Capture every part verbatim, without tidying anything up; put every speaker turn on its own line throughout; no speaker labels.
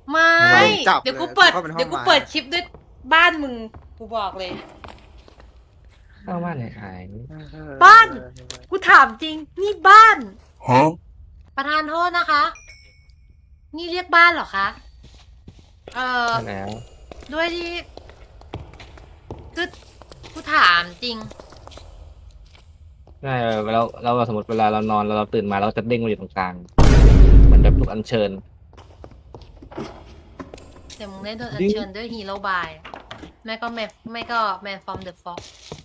ไม่
ทำไม
จับ
เดี๋ยวกู
เลย
เปิด
เข้าไปในห้อง
เดี๋ยวกู
ไม้
เปิดคลิปด้วยบ้านมึง กูบอกเลย
เข้าบ้านไหนขาย
บ้าน กูถามจริง นี่บ้าน
ฮะ
ประธานโทษนะคะ นี่เรียกบ้านเหรอคะ เอ่อ
ใช่แล้ว
ด้วยที่ คือ กูถามจริง
ใช่เราเราสมมติเวลาเรานอนแล้วเราตื่นมาเราจะเด้งมาอยู่ตรงกลางเหมือนแบบถูกอัญเชิญ
แต่มึงได้โดนอั
ดิ้
ญ
ง
เชิญด้วยฮีโร่บายไม่ก็แมไม่ก็แมนฟอร์มเดอะฟ็อก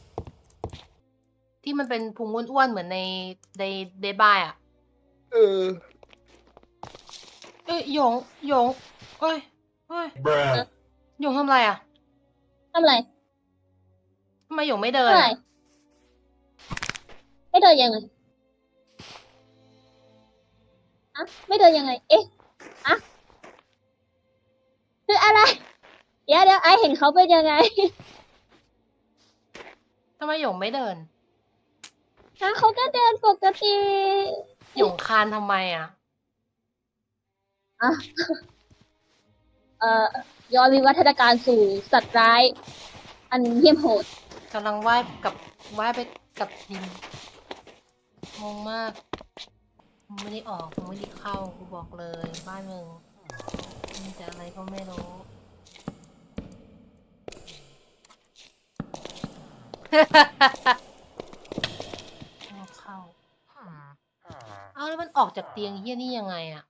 ที่มันเป็นพุงอ้วนๆเหมือนในในเดบายอ่ะ
เออ
เอ้ยหยงหยงเอ้ยเอ้ย
bruh
หยงทำอะไรอ่ะ
ทำไร
ทำไมหยงไม่เดิน
ทำไร
อะ
ไม่เดินยังไงอะไม่เดินยังไง เอ๊ะอะคืออะไร เดี๋ยวเดี๋ยวไอเห็นเขาเป็นยังไง
ทำไมหยงไม่เดิน
ฮะเขาก็เดินปกติ
หยงคานทำไมอ่ะ
อ่ะเอ่อย้อนวิวัฒนาการสู่สัตว์ร้าย อันเหี้ยมโหด
กำลังว่ายกับว่ายไปกับดินงงมากมึงไม่ได้ออกมึงไม่ได้เข้ากูบอกเลยบ้านมึงมีแต่อะไรก็ไม่รู้ เอาเข้าเอาแล้วมันออกจากเตียงเฮี้ยนี่ยังไงอะ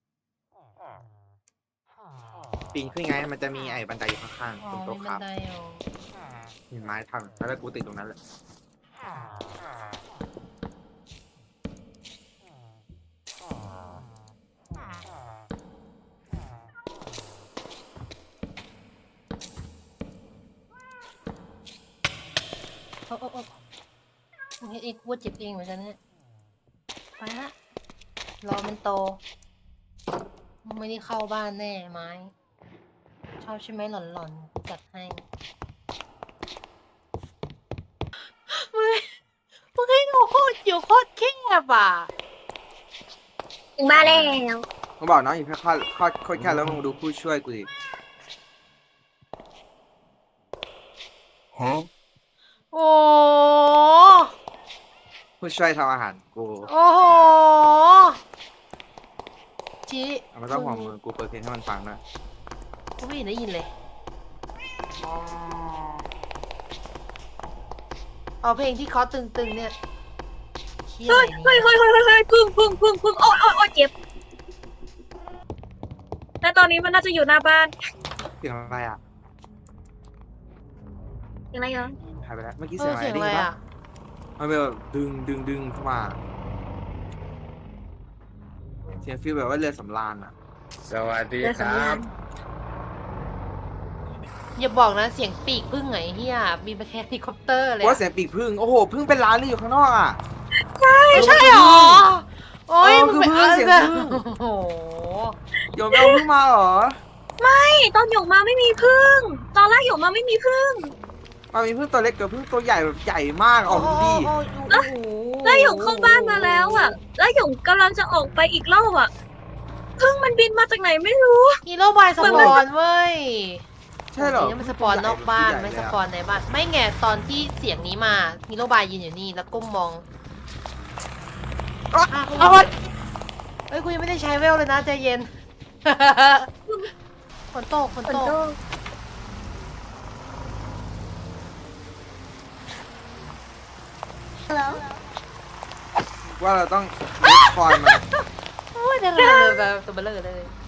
ปีนขึ้นไงมันจะมีไอ้บันไดอยู่ข้างๆ
อ๋อ
ตรงโต๊ะ
มี
ค
บั
รั
น
บ
ไดเหรอ
มีไม้ทำแล้วกูติดตรงนั้นแหละ
โอ้โอ้โอ้มึงเฮ็ดเองกูว่าเจ็บเองเหมือนกันเนี่ยไปละรอมันโตมึงไม่ได้เข้าบ้านแน่ไม้ชอบใช่ไหมหล่อนๆกูจัดให้มึงมึงให้กูโคตรอยู่โคตรแคบอ่ะ
ถึงบ้านแล้ว
เขาบอกน้องอยู่แค่ข้อข้อโคตรแค่แล้วมึงดูผู้ช่วยกูดิ
ฮะ
โอ้
ผู้ช่วยทำอาหารกู
โอ้โหจี
เอามาต้องห่วงมือกูเปิดเพลงให้มันฟังนะ
กูไม่เห็นได้ยินเลยเอาเพลงที่เขาตึงๆเนี่ยเชี่ย
เฮ้ย
อะไร
เฮ้ย
เนี่ย
เฮ้ยเฮ้ยเฮ้ยพึ่งพึ่งพึ่งพึ่งโอ้ยโอ้ยโอ้ยเจ็บแต่ตอนนี้มันน่าจะอยู่หน้าบ้าน
เสียงอะไรอ่ะ
ยังไงเหรอ
หายไปแล้วเมื่อกี้
เอ
เสีย
อง
อะไร
เสียง
ได้
อะไร
ยินปะ
อ่ะ
มันเป็นแบบดึงดึงดึงเข้ามาเสียงฟีลแบบว่าเรือสำราญอ่ะ
สวัสดี
เรือ
ครั
สำรา
บ
ญ
อย่าบอกนะเสียงปีกพึ่งไงเฮียมีมาแค่เฮลิคอปเตอร์เลย
ว่า
อะ
เสียงปีกพึ่งโอ้โหพึ่งเป็นล้านเลยอยู่ข้างนอกอ่ะ
ไม่ใช่หรอโอ้ย
เออ
มึง
คือ
ไป
พึ่ง
เอา
เสียง
แบบ
พึ่ง
โอ้โห
โยมไปเอาพึ่งมาเหรอ
ไม่ตอนหยกมาไม่มีพึ่ง ตอนแรกหยกมาไม่มีพึ่ง
มันมีพึ่งตัวเล็กกับพึ่งตัวใหญ่แบบใหญ่มากออกดูดิ
โอ้โอ้โอ้โห
แล้วหยกเข้าบ้านมาแล้วอ่ะ แล้วหยกกำลังจะออกไปอีกรอบอ่ะพึ่งมันบินมาจากไหนไม่รู้
ฮีโร่บายสปอนเว้ย
ใช่เหรอ
จงๆมันสปอนนอกบ้าน
ใหญ่
ไม่
เลย
ส
อะ
ปอนในบ้านไม่แง่ตอนที่เสียงนี้มาฮีโร่บายยืนอยู่นี่แล้วก้มมอง
อ๊ะ
อ่ะกู
เอาไว้
เอ้ยกูยังไม่ได้ใช้เวลเลยนะใจเย็น ฝนตกฝน
ฝน
ตก
ตกแล้ว
ว่าเราต้องคอยมัน
โอ้ยเดี๋ยวเลยแบบตัวเบลอเลย